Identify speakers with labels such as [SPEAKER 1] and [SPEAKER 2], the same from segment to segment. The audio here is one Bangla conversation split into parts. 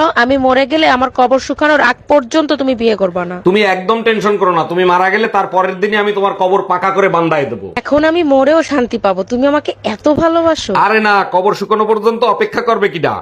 [SPEAKER 1] আমি মরে গেলে আমার কবর শুকানোর আগ পর্যন্ত তুমি বিয়ে করবে না।
[SPEAKER 2] তুমি একদম টেনশন করো না, তুমি মারা গেলে তার পরের দিনই আমি তোমার কবর পাকা করে বান্ধায় দেবো।
[SPEAKER 1] এখন আমি মরেও শান্তি পাবো, তুমি আমাকে এত ভালোবাসো।
[SPEAKER 2] আরে না, কবর শুকানো পর্যন্ত অপেক্ষা করবে কিডা?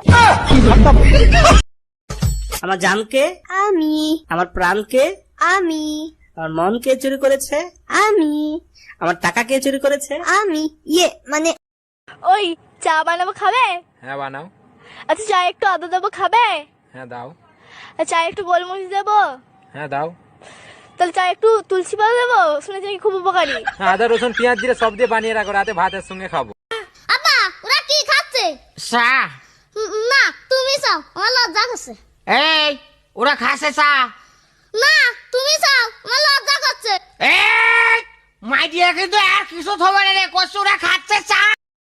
[SPEAKER 3] আমার জানকে,
[SPEAKER 4] আমি
[SPEAKER 3] আমার প্রাণকে,
[SPEAKER 4] আমি
[SPEAKER 3] আমার মন কে চুরি করেছে,
[SPEAKER 4] আমি
[SPEAKER 3] আমার টাকা কে চুরি করেছে?
[SPEAKER 4] আমি মানে
[SPEAKER 5] ওই চা বানাবো, খাবে?
[SPEAKER 6] হ্যাঁ বানাও।
[SPEAKER 5] আচ্ছা চা একটু আদা দেবো, খাবে?
[SPEAKER 6] হ্যাঁ দাও।
[SPEAKER 5] চা একটু গোলমরিচ দেবো?
[SPEAKER 6] হ্যাঁ দাও।
[SPEAKER 5] তাহলে চা একটু তুলসী পাতা দেবো? শুনেছি নাকি খুব উপকারী।
[SPEAKER 6] হ্যাঁ, আদা রসুন পেঁয়াজ দিয়ে সব দিয়ে বানিয়ে রাখো, রাতে ভাতের সঙ্গে খাবো।
[SPEAKER 4] আব্বা ওরা কি খাচ্ছে?
[SPEAKER 7] চা।
[SPEAKER 4] না তুমি চাও, আমার লজ্জা করছে।
[SPEAKER 7] এই ওরা খাসে চা।
[SPEAKER 4] না তুমি চাও, আমার লজ্জা করছে।
[SPEAKER 7] এই মাইডিয়া কিন্তু আর কিছু থবে রে, কষ্ট ওরা খাচ্ছে চা।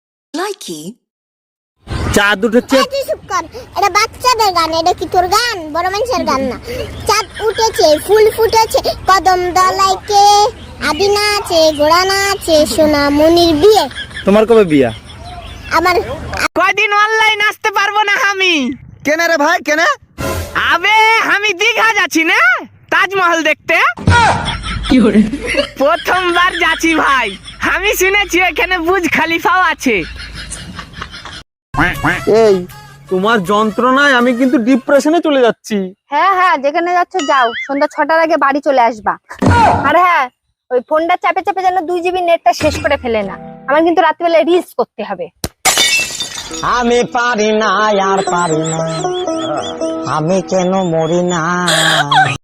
[SPEAKER 3] চা দুটো
[SPEAKER 4] তুই চুপ কর, এটা বাচ্চাদের গান, এটা কি তোর গান? বড় মানুষের গান না। চাঁদ উঠেছে, ফুল ফুটেছে, কদম দলাইকে আদিনা আছে, ঘোড়া না আছে, সোনা মনির বিয়ে।
[SPEAKER 3] তোমার কবে বিয়া?
[SPEAKER 4] আমার
[SPEAKER 3] কয়দিন অনলাইন আসতে পারবো না আমি।
[SPEAKER 8] কেন রে ভাই কেন?
[SPEAKER 3] আবে আমি দীঘা যাচ্ছি না তাজমহল দেখতে। প্রথমবার যাচ্ছি ভাই। আমি শুনেছি এখানে বুর্জ খলিফাও আছে।
[SPEAKER 8] এই তোমার যন্ত্রণায় আমি কিন্তু ডিপ্রেশনে চলে যাচ্ছি।
[SPEAKER 9] হ্যাঁ হ্যাঁ, যেখানে যাচ্ছ যাও, সন্ধ্যা 6টার আগে বাড়ি চলে আসবা। আর হ্যাঁ, ওই ফোনটা চাপে চাপে যেন 2 জিবি নেটটা শেষ করে ফেলে না। আমার কিন্তু রাত্রিবেলা রিলস করতে হবে।
[SPEAKER 7] আমি পারি না আর পারি না, আমি কেন মরি না।